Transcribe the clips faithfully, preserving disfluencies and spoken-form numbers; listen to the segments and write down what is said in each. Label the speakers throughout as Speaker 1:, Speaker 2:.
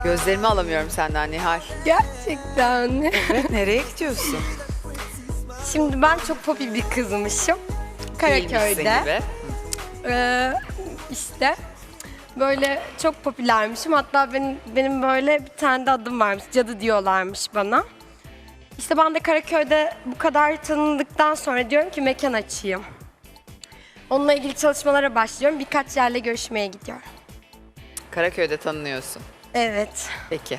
Speaker 1: Gözlerimi alamıyorum senden Nihal.
Speaker 2: Gerçekten.
Speaker 1: Evet, nereye gidiyorsun?
Speaker 2: Şimdi ben çok popüler bir kızmışım.
Speaker 1: Değilmişsin
Speaker 2: Karaköy'de.
Speaker 1: gibi.
Speaker 2: Ee, işte böyle çok popülermişim. Hatta benim, benim böyle bir tane de adım varmış. Cadı diyorlarmış bana. İşte ben de Karaköy'de bu kadar tanındıktan sonra diyorum ki mekan açayım. Onunla ilgili çalışmalara başlıyorum. Birkaç yerle görüşmeye gidiyorum.
Speaker 1: Karaköy'de tanınıyorsun.
Speaker 2: Evet.
Speaker 1: Peki.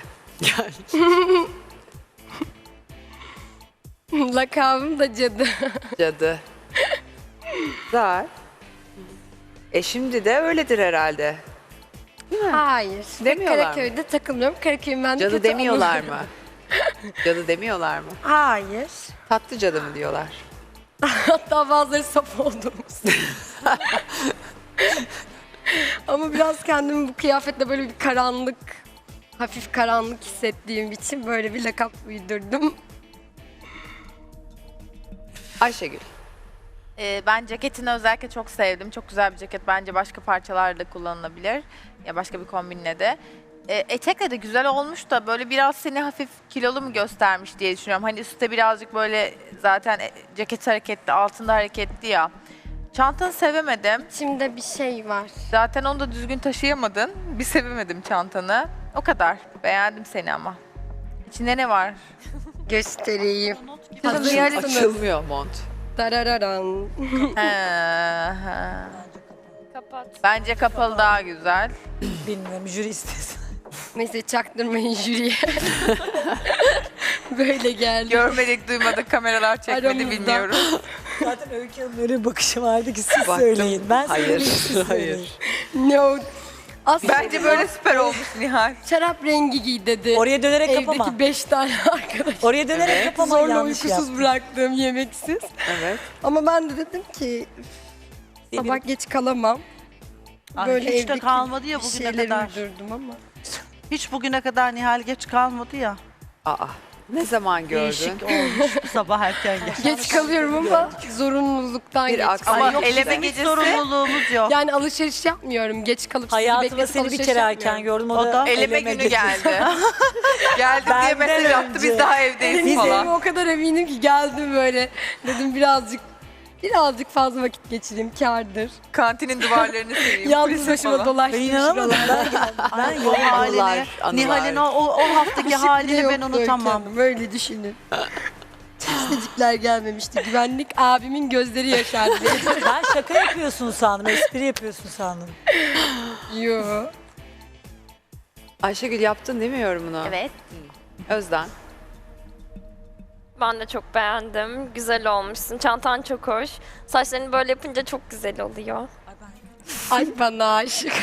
Speaker 2: Lakabım da cadı.
Speaker 1: Cadı. Güzel. E şimdi de öyledir herhalde.
Speaker 2: Hayır.
Speaker 1: Demiyorlar mı?
Speaker 2: Karaköy'de takılmıyorum. Karaköy'ün bende
Speaker 1: Cadı
Speaker 2: kötü
Speaker 1: demiyorlar
Speaker 2: anıları
Speaker 1: mı?
Speaker 2: var.
Speaker 1: Cadı demiyorlar mı?
Speaker 2: Hayır.
Speaker 1: Tatlı cadı mı diyorlar?
Speaker 2: Hatta bazıları saf olduğumuz. Ama biraz kendimi bu kıyafetle böyle bir karanlık, hafif karanlık hissettiğim için böyle bir lakap uydurdum.
Speaker 1: Ayşegül.
Speaker 3: Ee, ben ceketini özellikle çok sevdim. Çok güzel bir ceket. Bence başka parçalarla kullanılabilir. Ya başka bir kombinle de. Ee, etekle de güzel olmuş da böyle biraz seni hafif kilolu mu göstermiş diye düşünüyorum. Hani üstte birazcık böyle zaten e, ceket hareketli, altında hareketli ya. Çantanı sevemedim.
Speaker 2: İçimde bir şey var.
Speaker 3: Zaten onu da düzgün taşıyamadın. Bir sevemedim çantanı. O kadar. Beğendim seni ama. İçinde ne var?
Speaker 2: Göstereyim.
Speaker 3: Kızım
Speaker 2: Hazır
Speaker 3: Nihal'in-
Speaker 2: mısınız?
Speaker 1: Açılmıyor mont.
Speaker 2: Darararan.
Speaker 3: He, he. Bence kapalı daha güzel.
Speaker 4: Bilmiyorum, jüri istesin.
Speaker 2: Neyse çaktırmayın jüriye. Böyle geldi.
Speaker 3: Görmedik, duymadık, kameralar çekmedi
Speaker 2: Aramızda.
Speaker 3: bilmiyorum.
Speaker 4: Zaten Öykü Hanım'ın öyle bir bakışı vardı ki siz
Speaker 1: Baktım.
Speaker 4: söyleyin. Ben
Speaker 1: Hayır,
Speaker 4: söyleyeyim, siz
Speaker 1: hayır.
Speaker 4: söyleyin.
Speaker 2: No. Aslında
Speaker 3: Bence böyle süper olmuş Nihal.
Speaker 2: şarap rengi giy dedi.
Speaker 4: Oraya dönerek
Speaker 2: Evdeki
Speaker 4: kapama.
Speaker 2: beş tane arkadaş.
Speaker 4: Oraya dönerek
Speaker 1: Evet.
Speaker 4: kapama,
Speaker 2: Zorla
Speaker 4: yanlış
Speaker 2: uykusuz
Speaker 4: yaptın.
Speaker 2: bıraktığım yemeksiz.
Speaker 1: Evet.
Speaker 2: Ama ben de dedim ki sabah geç kalamam.
Speaker 5: Ay,
Speaker 2: Böyle
Speaker 5: hiç de
Speaker 2: evdeki
Speaker 5: kalmadı ya
Speaker 2: bir
Speaker 5: bugüne
Speaker 2: şeyleri
Speaker 5: kadar.
Speaker 2: uydurdum ama.
Speaker 5: Hiç bugüne kadar Nihal geç kalmadı ya.
Speaker 1: Aa, ne zaman gördün?
Speaker 5: Değişik olmuş bu sabah erken gel.
Speaker 2: Geç kalıyorum ama zorunluluktan
Speaker 1: Bir
Speaker 2: geç
Speaker 1: aksi-
Speaker 2: kalıyorum.
Speaker 3: Ama
Speaker 5: Yok,
Speaker 3: eleme
Speaker 5: bizim hiç
Speaker 3: gecesi.
Speaker 5: sorumluluğumuz yok.
Speaker 2: Yani alışveriş yapmıyorum. Geç kalıp sizi
Speaker 4: Hayatımda
Speaker 2: bekletip
Speaker 4: seni bir
Speaker 2: alışveriş
Speaker 4: kere
Speaker 2: yapmıyorum.
Speaker 4: erken gördüm. O,
Speaker 5: O
Speaker 4: da
Speaker 5: da
Speaker 3: Eleme günü
Speaker 4: getirdi.
Speaker 3: geldi. Geldim diye
Speaker 4: Benden
Speaker 3: mesaj attı, biz
Speaker 4: önce.
Speaker 3: daha evdeyiz
Speaker 2: Biz
Speaker 3: falan.
Speaker 2: o kadar eminim ki geldim böyle. Dedim birazcık birazcık fazla vakit geçireyim kârdır.
Speaker 3: Kantinin duvarlarını seveyim.
Speaker 2: Yalnız
Speaker 3: kulisi
Speaker 2: başıma
Speaker 3: falan.
Speaker 4: Ben
Speaker 2: dolaştım
Speaker 4: inanamadım.
Speaker 2: şuralarda.
Speaker 4: Ben, ben
Speaker 5: O
Speaker 4: yok.
Speaker 5: halini,
Speaker 1: Anılar, anılar.
Speaker 5: Nihal'in o, o, o haftaki
Speaker 2: Işık bile
Speaker 5: halini ben
Speaker 2: yoktu
Speaker 5: unutamam.
Speaker 2: Öykü Böyle düşünün. Testecikler gelmemişti. Güvenlik abimin gözleri yaşardı.
Speaker 4: Ben şaka yapıyorsun sandım. Espri yapıyorsun sandım.
Speaker 2: Yo.
Speaker 1: Ayşegül yaptın değil mi yorumunu?
Speaker 6: Evet.
Speaker 1: Özden.
Speaker 6: Ben de çok beğendim. Güzel olmuşsun. Çantan çok hoş. Saçlarını böyle yapınca çok güzel oluyor.
Speaker 2: Ay bana aşık.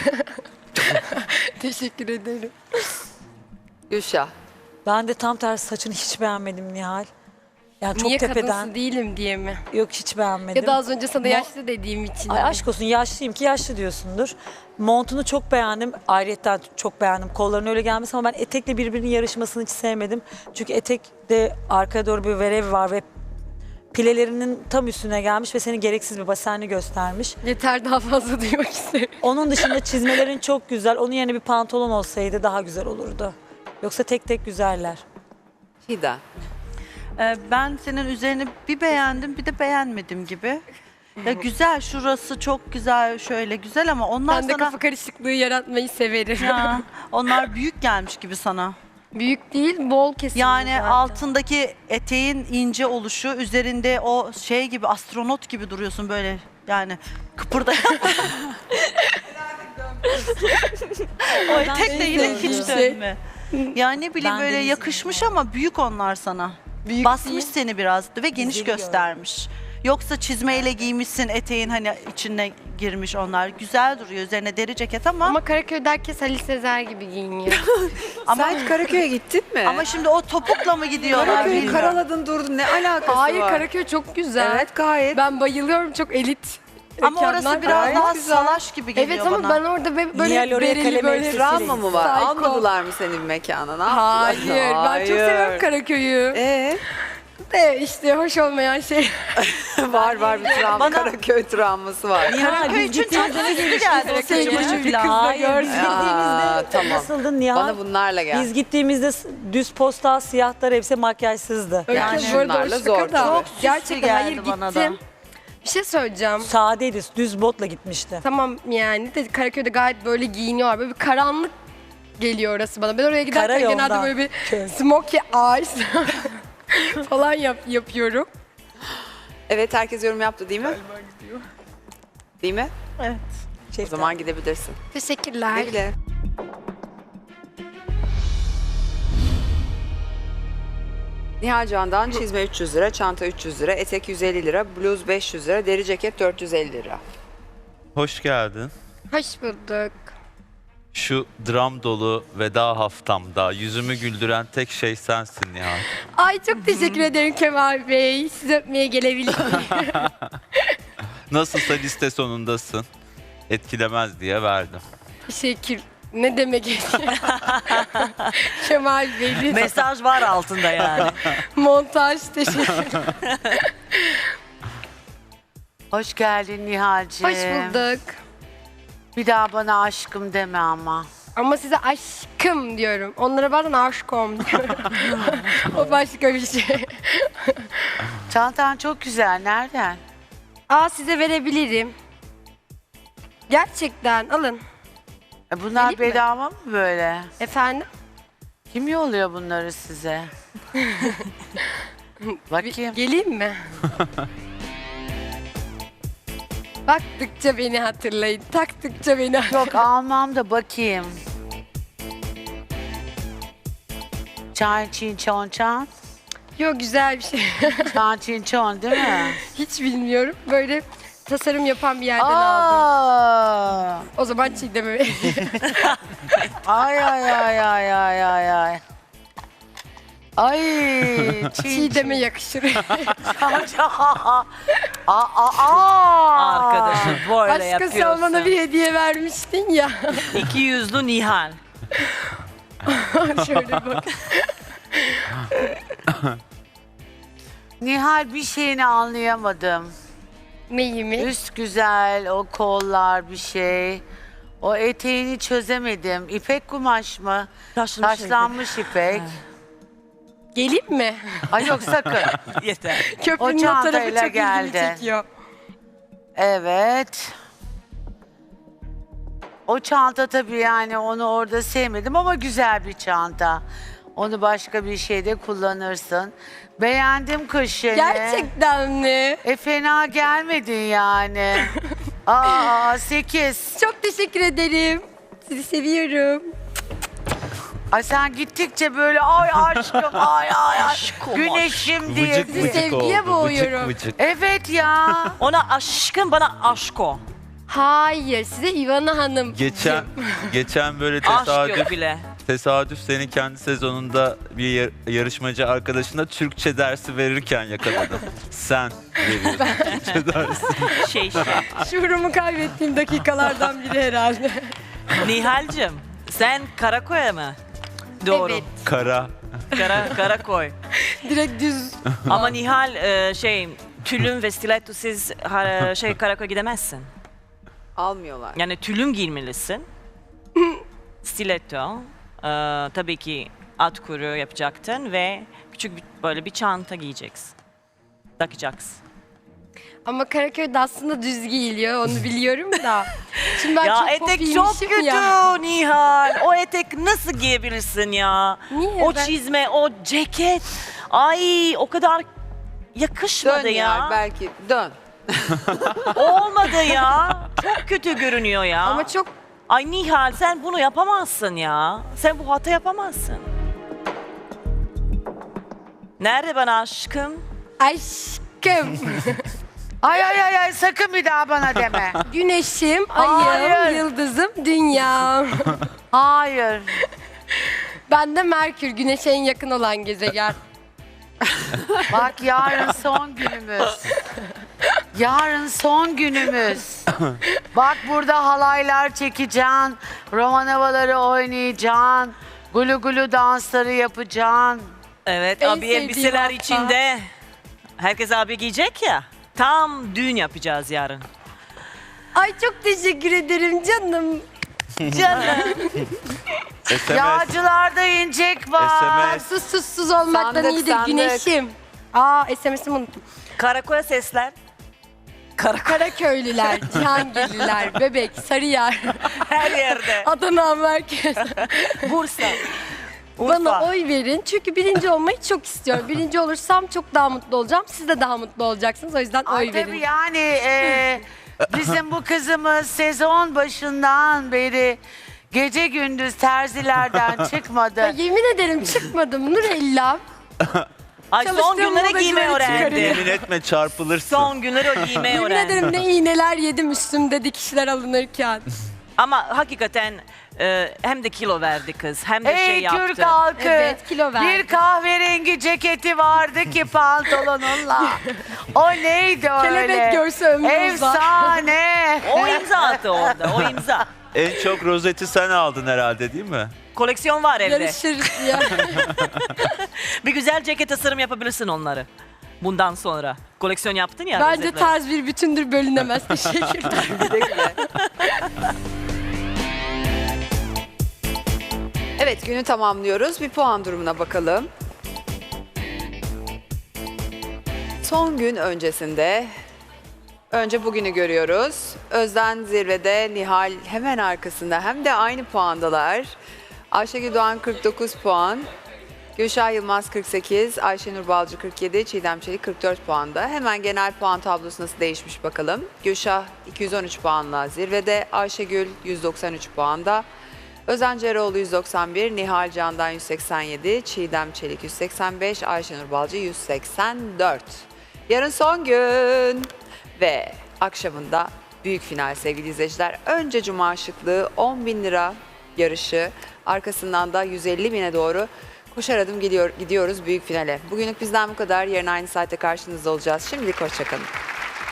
Speaker 2: Teşekkür ederim.
Speaker 1: Gülşah.
Speaker 4: Ben de tam tersi saçını hiç beğenmedim Nihal. Yani çok
Speaker 2: Niye
Speaker 4: tepeden.
Speaker 2: kadınsın değilim diye mi?
Speaker 4: Yok, hiç beğenmedim.
Speaker 2: Ya da az önce sana
Speaker 4: Mo-
Speaker 2: yaşlı dediğim için.
Speaker 4: Ay
Speaker 2: mi?
Speaker 4: aşk olsun, yaşlıyım ki yaşlı diyorsundur. Montunu çok beğendim. Ayrıyetten çok beğendim. Kolların öyle gelmesi ama ben etekle birbirinin yarışmasını hiç sevmedim. Çünkü etekte arkaya doğru bir verev var ve pilelerinin tam üstüne gelmiş ve seni gereksiz bir basenli göstermiş.
Speaker 2: Yeter, daha fazla duymak istemiyorum.
Speaker 4: Onun dışında çizmelerin çok güzel. Onun yerine bir pantolon olsaydı daha güzel olurdu. Yoksa tek tek güzeller.
Speaker 1: Fidan.
Speaker 5: Ee, ben senin üzerini bir beğendim bir de beğenmedim gibi. Ya güzel, şurası çok güzel, şöyle güzel ama onlar
Speaker 2: Ben de
Speaker 5: sana
Speaker 2: kafa karışıklığı yaratmayı severim.
Speaker 5: ya, onlar büyük gelmiş gibi sana.
Speaker 2: Büyük değil, bol kesim.
Speaker 5: Yani
Speaker 2: zaten.
Speaker 5: altındaki eteğin ince oluşu, üzerinde o şey gibi, astronot gibi duruyorsun böyle, yani kıpırdayan. O etek de yine hiç
Speaker 2: sevdiğim şey.
Speaker 5: dönme. Yani ne bileyim
Speaker 4: Ben
Speaker 5: böyle
Speaker 4: Denizli'yim
Speaker 5: yakışmış ama büyük onlar sana.
Speaker 2: Büyük
Speaker 5: Basmış
Speaker 2: değil.
Speaker 5: seni biraz ve geniş
Speaker 4: Güzeli
Speaker 5: göstermiş. Yoksa çizmeyle giymişsin, eteğin hani içine girmiş onlar. Güzel duruyor, üzerine deri ceket ama ama,
Speaker 2: Ama Karaköy'de herkes Halil Sezer gibi giyiniyor.
Speaker 1: Sen hiç Karaköy'e gittin mi?
Speaker 5: ama şimdi o topukla mı gidiyorlar
Speaker 1: Karaköy'ü
Speaker 5: bilmiyorum.
Speaker 1: karaladın durdun. Ne alakası
Speaker 2: Hayır,
Speaker 1: var?
Speaker 2: Karaköy çok güzel.
Speaker 1: Evet, gayet.
Speaker 2: Ben bayılıyorum, çok elit.
Speaker 5: Ama orası
Speaker 2: mekanlar.
Speaker 5: biraz
Speaker 1: gayet
Speaker 5: daha
Speaker 1: güzel.
Speaker 5: salaş gibi geliyor
Speaker 2: Evet ama
Speaker 5: bana.
Speaker 2: ben orada be- böyle
Speaker 4: Nihal oraya
Speaker 2: bereli
Speaker 4: kalem
Speaker 2: böyle
Speaker 4: elbisesiyle
Speaker 1: Travma mı var?
Speaker 2: Psycho.
Speaker 1: Almadılar mı seni bir mekana? Ne yaptılar?
Speaker 2: Hayır, ben çok seviyorum Karaköy'ü.
Speaker 1: Ee,
Speaker 2: De işte hoş olmayan şey.
Speaker 1: var var bir travma.
Speaker 4: Bana-
Speaker 1: Karaköy travması var.
Speaker 4: Nihal biz gittiğimizde ne geldi? O
Speaker 2: Sevgili
Speaker 4: saçma
Speaker 2: çocuk
Speaker 4: kızla.
Speaker 2: kız da
Speaker 4: Hayır,
Speaker 2: görsün.
Speaker 4: biz
Speaker 1: Aa,
Speaker 4: gittiğimizde
Speaker 1: tamam.
Speaker 4: nasıldın Nihal?
Speaker 1: Bana bunlarla gel.
Speaker 4: Biz gittiğimizde s- düz postal siyahtlar hepsi makyajsızdı.
Speaker 2: Öyle
Speaker 1: Yani
Speaker 2: kız bu arada o
Speaker 1: şunlarla
Speaker 2: şaka
Speaker 1: zor
Speaker 2: da.
Speaker 1: tabii.
Speaker 5: Çok süslü
Speaker 2: Gerçekten
Speaker 5: geldi
Speaker 2: hayır
Speaker 5: bana da.
Speaker 2: gittim. Bir şey söyleyeceğim.
Speaker 4: Sadeydi, düz botla gitmişti.
Speaker 2: Tamam yani de Karaköy'de gayet böyle giyiniyorlar. Böyle bir karanlık geliyor orası bana. Ben oraya giderken
Speaker 4: Karayoldan.
Speaker 2: genelde böyle bir
Speaker 4: Köy.
Speaker 2: smokey eyes falan yap, yapıyorum.
Speaker 1: Evet herkes yorum yaptı değil mi? Değil mi?
Speaker 5: Evet.
Speaker 1: O zaman gidebilirsin.
Speaker 2: Teşekkürler.
Speaker 1: Güle güle. Nihal Can'dan çizme üç yüz lira, çanta üç yüz lira, etek yüz elli lira, bluz beş yüz lira, deri ceket dört yüz elli lira.
Speaker 7: Hoş geldin.
Speaker 2: Hoş bulduk.
Speaker 7: Şu dram dolu veda haftamda yüzümü güldüren tek şey sensin Nihal.
Speaker 2: Ay çok teşekkür ederim Kemal Bey. Sizi öpmeye gelebilir miyim?
Speaker 7: Nasılsa liste sonundasın. Etkilemez diye verdim.
Speaker 2: Teşekkür. Ne demek? Kemal Bey lütfen.
Speaker 5: Mesaj var altında yani.
Speaker 2: Montaj teşekkür.
Speaker 8: Hoş geldin Nihal'cim.
Speaker 2: Hoş bulduk.
Speaker 8: Bir daha bana aşkım deme ama.
Speaker 2: Ama size aşkım diyorum. Onlara bazen aşkım diyorum. O başka bir şey.
Speaker 8: Çantan çok güzel. Nereden?
Speaker 2: Aa size verebilirim. Gerçekten alın.
Speaker 8: E bunlar
Speaker 2: Vereyim mi?
Speaker 8: bedava mı böyle?
Speaker 2: Efendim?
Speaker 8: Kim yolluyor bunları size? Bakayım.
Speaker 2: Geleyim mi? Baktıkça beni hatırlayın. Taktıkça beni hatırlayın.
Speaker 8: Yok almam da bakayım. Çan çin çon çan.
Speaker 2: Yok güzel bir şey.
Speaker 8: Çan çin çon değil mi?
Speaker 2: Hiç bilmiyorum. Böyle tasarım yapan bir yerden aldım.
Speaker 8: Aa!
Speaker 2: O zaman Çiğdem'e
Speaker 8: Ay ay ay ay ay ay ay. Ay çin
Speaker 2: Çiğdem'e yakışır.
Speaker 8: aa, aa, aa.
Speaker 5: Arkadaşım böyle
Speaker 2: Başka
Speaker 5: yapıyorsun.
Speaker 2: sen bana bir hediye vermiştin ya.
Speaker 5: İki yüzlü Nihal.
Speaker 2: Şöyle bak.
Speaker 8: Nihal bir şeyini anlayamadım.
Speaker 2: Neyi mi?
Speaker 8: Üst güzel, o kollar bir şey. O eteğini çözemedim. İpek kumaş mı?
Speaker 5: Taşlanmış
Speaker 8: Taşlanmış ipek.
Speaker 2: Geleyim mi?
Speaker 8: Ay yok sakın.
Speaker 5: Yeter.
Speaker 2: Köprünün o,
Speaker 8: çantayla
Speaker 2: tarafı çok ilgimi
Speaker 8: geldi.
Speaker 2: çekiyor.
Speaker 8: Evet. O çanta tabii yani onu orada sevmedim ama güzel bir çanta. Onu başka bir şeyde kullanırsın. Beğendim kış yeni.
Speaker 2: Gerçekten mi?
Speaker 8: E fena gelmedin yani. Aa sekiz.
Speaker 2: Çok teşekkür ederim. Sizi seviyorum.
Speaker 8: Ay sen gittikçe böyle ay aşkım ay ay ay. Güneşim diye.
Speaker 7: Vıcık
Speaker 2: Sizi
Speaker 7: vıcık
Speaker 2: sevgiye
Speaker 7: oldu.
Speaker 2: boğuyorum.
Speaker 7: Vıcık vıcık.
Speaker 8: Evet ya.
Speaker 5: Ona aşkın, bana aşko.
Speaker 2: Hayır, size Ivana Hanım.
Speaker 7: Geçen geçen böyle
Speaker 5: Aşk
Speaker 7: tesadüf
Speaker 5: yok bile.
Speaker 7: tesadüf senin kendi sezonunda bir yar- yarışmacı arkadaşına Türkçe dersi verirken yakaladım. Sen veriyorsun Türkçe dersi.
Speaker 5: Şey şey.
Speaker 2: Şuurumu kaybettiğim dakikalardan biri herhalde.
Speaker 5: Nihal'cim sen Karakoy'a mı? Doğru.
Speaker 2: Evet.
Speaker 7: Kara.
Speaker 5: Kara, Karakoy.
Speaker 2: Direkt düz.
Speaker 5: Ama Nihal e, şey tülüm ve stilettosiz ha- şey Karakoy gidemezsin.
Speaker 1: Almıyorlar.
Speaker 5: Yani tülüm giymelisin. Stiletto. e, tabii ki at kuru yapacaktın ve küçük bir, böyle bir çanta giyeceksin. Takacaksın.
Speaker 2: Ama Karaköy'de aslında düz giyiliyor, onu biliyorum da. Şimdi ben
Speaker 5: Ya
Speaker 2: çok
Speaker 5: etek
Speaker 2: pop
Speaker 5: çok
Speaker 2: giymişim
Speaker 5: kötü
Speaker 2: ya.
Speaker 5: Nihal. O etek nasıl giyebilirsin ya?
Speaker 2: Niye?
Speaker 5: O
Speaker 2: Ben-
Speaker 5: çizme, o ceket. Ay o kadar yakışmadı
Speaker 1: Dön
Speaker 5: ya.
Speaker 1: ya. Belki dön.
Speaker 5: Olmadı ya. Çok kötü görünüyor ya.
Speaker 2: Ama çok
Speaker 5: Ay Nihal sen bunu yapamazsın ya. Sen bu hata yapamazsın. Nerede bana aşkım?
Speaker 2: aşkım.
Speaker 8: Ay ay ay ay sakın bir daha bana deme.
Speaker 2: Güneşim, ayım,
Speaker 8: Hayır.
Speaker 2: yıldızım, dünyam.
Speaker 8: Hayır.
Speaker 2: Ben de Merkür, Güneş'e en yakın olan gezegen.
Speaker 8: Bak yarın son günümüz. Yarın son günümüz. Bak burada halaylar çekeceksin. Roman havaları oynayacaksın. Gulu gulu dansları yapacaksın.
Speaker 9: Evet,
Speaker 2: En
Speaker 9: abi
Speaker 2: sevdiğim
Speaker 9: elbiseler
Speaker 2: hafta.
Speaker 9: içinde. Herkes abi giyecek ya. Tam düğün yapacağız yarın.
Speaker 2: Ay çok teşekkür ederim canım. Canım.
Speaker 7: S M S.
Speaker 8: Yağcılarda incek var.
Speaker 7: S M S.
Speaker 2: Sus sus sus olmaktan
Speaker 1: Sandık,
Speaker 2: iyidir
Speaker 1: sandık.
Speaker 2: güneşim. Aa S M S'imi unuttum.
Speaker 9: Karakola sesler. Karakol
Speaker 2: Karaköylüler, Cihangirliler, Bebek, Sarıyer,
Speaker 9: her yerde.
Speaker 2: Adana merkez.
Speaker 9: Bursa.
Speaker 2: Bana
Speaker 9: Urfa.
Speaker 2: oy verin çünkü birinci olmayı çok istiyorum. Birinci olursam çok daha mutlu olacağım. Siz de daha mutlu olacaksınız. O yüzden
Speaker 8: Ay
Speaker 2: oy
Speaker 8: tabii
Speaker 2: verin.
Speaker 8: yani e, bizim bu kızımız sezon başından beri gece gündüz terzilerden çıkmadı.
Speaker 2: Ya yemin ederim çıkmadım Nurella.
Speaker 9: Ay son
Speaker 2: Çalıştığım
Speaker 9: günlere
Speaker 2: modacıları
Speaker 9: giymeyi
Speaker 2: çıkarıyor.
Speaker 9: öğrendi.
Speaker 7: Yemin etme çarpılırsın.
Speaker 9: Son günleri o giymeyi
Speaker 2: Yemin
Speaker 9: öğrendi.
Speaker 2: ederim ne iğneler yedim üstümde dikişler alınırken.
Speaker 9: Ama hakikaten e, hem de kilo verdi kız hem de
Speaker 8: Ey
Speaker 9: şey yaptı.
Speaker 8: Türk halkı.
Speaker 2: Evet, kilo verdi.
Speaker 8: Bir kahverengi ceketi vardı ki pantolonunla. O neydi öyle?
Speaker 2: Kelebek görse ömrü uzar.
Speaker 8: Efsane.
Speaker 9: O imza attı orada, o imza.
Speaker 7: En çok rozeti sen aldın herhalde değil mi?
Speaker 9: Koleksiyon var evde.
Speaker 2: Yarışırız ya.
Speaker 9: Bir güzel ceket tasarım yapabilirsin onları. Bundan sonra. Koleksiyon yaptın ya.
Speaker 2: Bence
Speaker 9: rozetleri.
Speaker 2: tarz bir bütündür bölünemez. Teşekkürler.
Speaker 1: Evet, günü tamamlıyoruz. Bir puan durumuna bakalım. Son gün öncesinde önce bugünü görüyoruz. Özden zirvede, Nihal hemen arkasında, hem de aynı puandalar. Ayşegül Doğan kırk dokuz puan, Gülşah Yılmaz kırk sekiz, Ayşenur Balcı kırk yedi, Çiğdem Çelik kırk dört puanda. Hemen genel puan tablosu nasıl değişmiş bakalım. Gülşah iki yüz on üç puanla zirvede, Ayşegül yüz doksan üç puanda, Özen Ceroğlu yüz doksan bir, Nihal Candan yüz seksen yedi, Çiğdem Çelik yüz seksen beş, Ayşenur Balcı yüz seksen dört. Yarın son gün ve akşamında büyük final sevgili izleyiciler. Önce Cuma şıklığı on bin lira yarışı, arkasından da yüz elli bine doğru koşar adım gidiyor, gidiyoruz büyük finale. Bugünlük bizden bu kadar. Yarın aynı saatte karşınızda olacağız. Şimdilik hoşçakalın.